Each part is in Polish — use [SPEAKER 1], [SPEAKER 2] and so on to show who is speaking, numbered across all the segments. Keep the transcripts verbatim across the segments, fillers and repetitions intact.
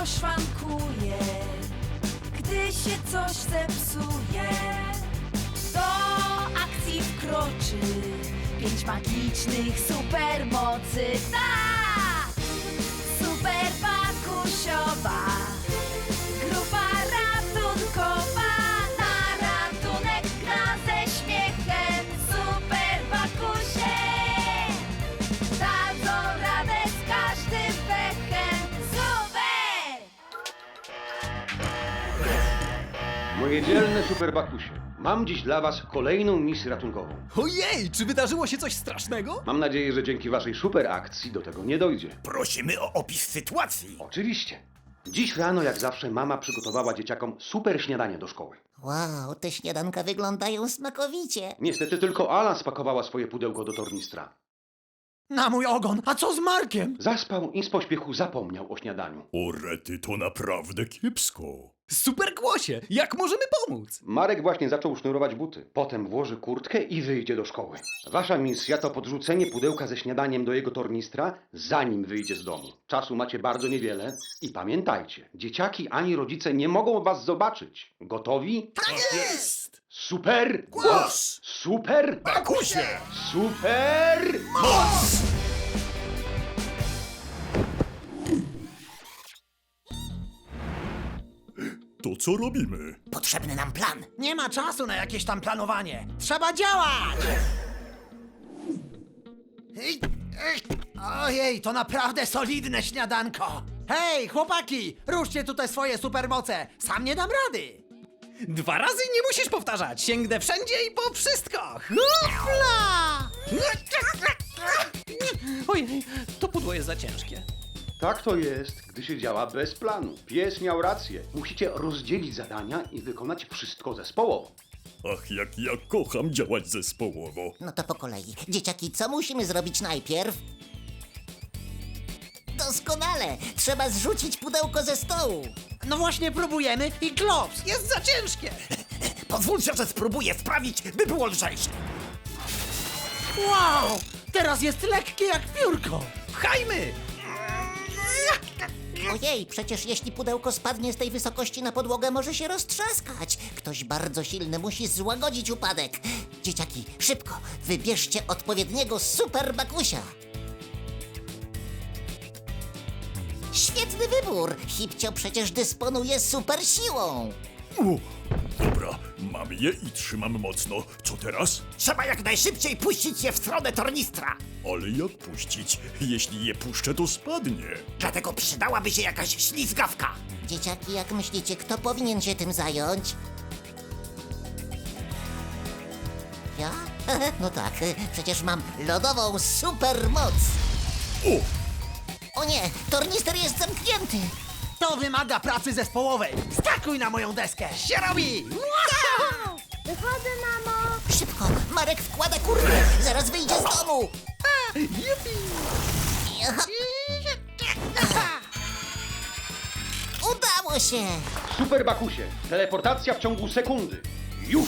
[SPEAKER 1] szybko szwankuje, gdy się coś zepsuje. Do akcji wkroczy pięć magicznych supermocy. Tak! Super Bakusiowa grupa ratunkowa. Na ratunek gra ze śmiechem. Super Bakusie dadzą radę z każdym pechem. Super!
[SPEAKER 2] Moje dzielne superbakusie, mam dziś dla was kolejną misję ratunkową.
[SPEAKER 3] Ojej, czy wydarzyło się coś strasznego?
[SPEAKER 2] Mam nadzieję, że dzięki waszej super akcji do tego nie dojdzie.
[SPEAKER 4] Prosimy o opis sytuacji.
[SPEAKER 2] Oczywiście. Dziś rano, jak zawsze, mama przygotowała dzieciakom super śniadanie do szkoły.
[SPEAKER 5] Wow, te śniadanka wyglądają smakowicie.
[SPEAKER 2] Niestety tylko Ala spakowała swoje pudełko do tornistra.
[SPEAKER 3] Na mój ogon, a co z Markiem?
[SPEAKER 2] Zaspał i z pośpiechu zapomniał o śniadaniu.
[SPEAKER 4] O rety, to naprawdę kiepsko.
[SPEAKER 3] Super Głosie, jak możemy pomóc?
[SPEAKER 2] Marek właśnie zaczął sznurować buty. Potem włoży kurtkę i wyjdzie do szkoły. Wasza misja to podrzucenie pudełka ze śniadaniem do jego tornistra, zanim wyjdzie z domu. Czasu macie bardzo niewiele i pamiętajcie, dzieciaki ani rodzice nie mogą was zobaczyć. Gotowi?
[SPEAKER 4] Tak jest!
[SPEAKER 2] Super!
[SPEAKER 4] Głos!
[SPEAKER 2] Super!
[SPEAKER 4] Bakusie!
[SPEAKER 2] Super!
[SPEAKER 4] Moc! To co robimy?
[SPEAKER 5] Potrzebny nam plan.
[SPEAKER 3] Nie ma czasu na jakieś tam planowanie. Trzeba działać! Ej, ej. Ojej, to naprawdę solidne śniadanko. Hej, chłopaki, ruszcie tutaj swoje supermoce. Sam nie dam rady. Dwa razy nie musisz powtarzać. Sięgnę wszędzie i po wszystko. Hopla! Ojej, to pudło jest za ciężkie.
[SPEAKER 2] Tak to jest, gdy się działa bez planu. Pies miał rację. Musicie rozdzielić zadania i wykonać wszystko zespołowo.
[SPEAKER 4] Ach, jak ja kocham działać zespołowo.
[SPEAKER 5] No to po kolei. Dzieciaki, co musimy zrobić najpierw? Doskonale! Trzeba zrzucić pudełko ze stołu.
[SPEAKER 3] No właśnie próbujemy i klops, jest za ciężkie.
[SPEAKER 4] Pozwólcie, że spróbuję sprawić, by było lżejsze.
[SPEAKER 3] Wow, teraz jest lekkie jak piórko. Pchajmy!
[SPEAKER 5] Ojej, przecież jeśli pudełko spadnie z tej wysokości na podłogę, może się roztrzaskać. Ktoś bardzo silny musi złagodzić upadek. Dzieciaki, szybko, wybierzcie odpowiedniego super bakusia. Świetny wybór! Hipcio przecież dysponuje super siłą.
[SPEAKER 4] U, dobra, mam je i trzymam mocno. Co teraz?
[SPEAKER 6] Trzeba jak najszybciej puścić je w stronę tornistra.
[SPEAKER 4] Ale jak puścić? Jeśli je puszczę, to spadnie.
[SPEAKER 6] Dlatego przydałaby się jakaś ślizgawka.
[SPEAKER 5] Dzieciaki, jak myślicie, kto powinien się tym zająć? Ja? No tak, przecież mam lodową supermoc.
[SPEAKER 4] O!
[SPEAKER 5] O nie, tornister jest zamknięty.
[SPEAKER 3] To wymaga pracy zespołowej. Skakuj na moją deskę. Się robi!
[SPEAKER 1] Wychodzę, mamo!
[SPEAKER 5] Szybko, Marek wkłada kurtkę, zaraz wyjdzie z domu.
[SPEAKER 3] Jupi!
[SPEAKER 5] Udało się.
[SPEAKER 2] Super bakusie, teleportacja w ciągu sekundy. Już!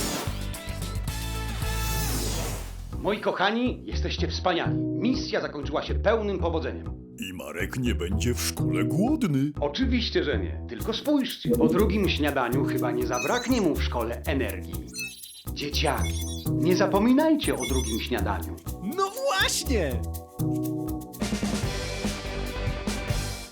[SPEAKER 2] Moi kochani, jesteście wspaniali. Misja zakończyła się pełnym powodzeniem.
[SPEAKER 4] I Marek nie będzie w szkole głodny.
[SPEAKER 2] Oczywiście, że nie. Tylko spójrzcie. Po drugim śniadaniu chyba nie zabraknie mu w szkole energii. Dzieciaki, nie zapominajcie o drugim śniadaniu.
[SPEAKER 3] No właśnie!